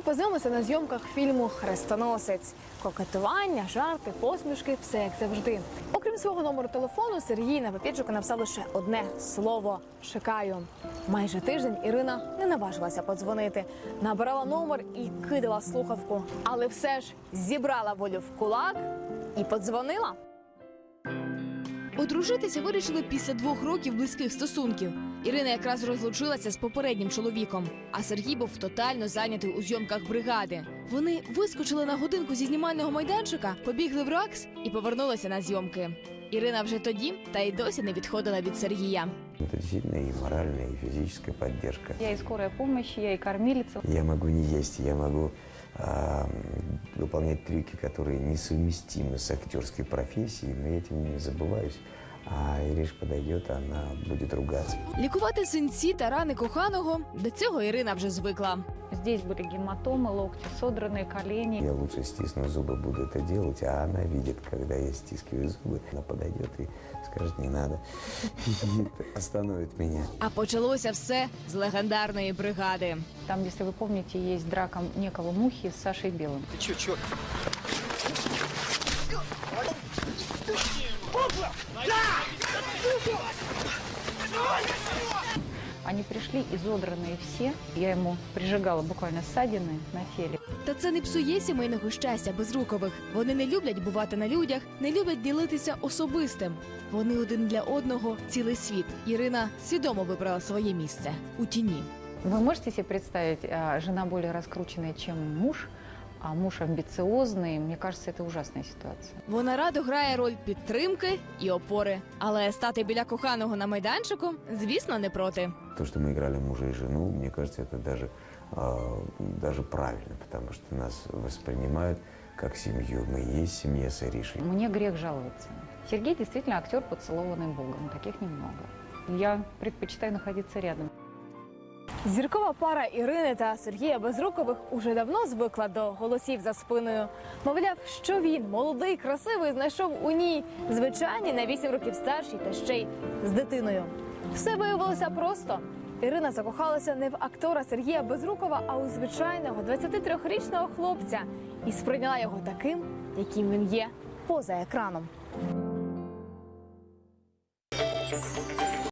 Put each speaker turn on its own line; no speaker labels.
познайомилися на зйомках фільму «Хрестоносець». Кокетування, жарти, посмішки – все як завжди. Окрім свого номеру телефону, Сергій на папірчику написав лише одне слово «Чекаю». Майже тиждень Ірина не наважилася подзвонити. Набирала номер і кидала слухавку. Але все ж зібрала волю в кулак і подзвонила. Одружитися вирішили після 2 років близьких стосунків. Ірина якраз розлучилася з попереднім чоловіком, а Сергій був тотально зайнятий у зйомках «Бригади». Вони вискочили на годинку зі знімального майданчика, побігли в РАКС і повернулися на зйомки. Ірина вже тоді та й досі не відходила від Сергія.
Это действительно и моральная, и физическая поддержка.
Я и скорая помощь, я и кормилица.
Я могу не есть, я могу выполнять трюки, которые несовместимы с актерской профессией, но я этим не забываюсь. А Ириш подойдет, она будет ругаться.
Лікувати синці та рани коханого – до цього Ірина вже звикла.
Здесь были гематомы, локти содранные, колени.
Я лучше стисну зубы, буду это делать, а она видит, когда я стискиваю зубы, она подойдет и скажет «не надо» и остановит меня.
А почалося все з легендарної «Бригади».
Там, если вы помните, есть драка некого Мухи с Сашей Белым.
Ты чё, чё?
Они пришли изодранные все. Я ему прижигала буквально ссадины на теле.
Та це не псує сімейного щастя Безрукових. Вони не люблять бувати на людях, не люблять ділитися особистим. Вони один для одного цілий світ. Ірина свідомо вибрала своє місце – у тіні.
Вы можете себе представить, жена более раскрученная, чем муж, а муж амбициозный. Мне кажется, это ужасная ситуация.
Вона радо грає роль підтримки і опори. Але стати біля коханого на майданчику, звісно, не проти.
То, что мы играли мужа и жену, мне кажется, это даже правильно, потому что нас воспринимают как семью. Мы и есть семья с Иришей.
Мне грех жаловаться. Сергей действительно актер, поцелованный Богом. Таких немного. Я предпочитаю находиться рядом.
Зіркова пара Ірини та Сергія Безрукових уже давно звикла до голосів за спиною. Мовляв, що він, молодий, красивий, знайшов у ній звичайні на 8 років старші та ще й з дитиною. Все виявилося просто. Ірина закохалася не в актора Сергія Безрукова, а у звичайного 23-річного хлопця і сприйняла його таким, яким він є поза екраном.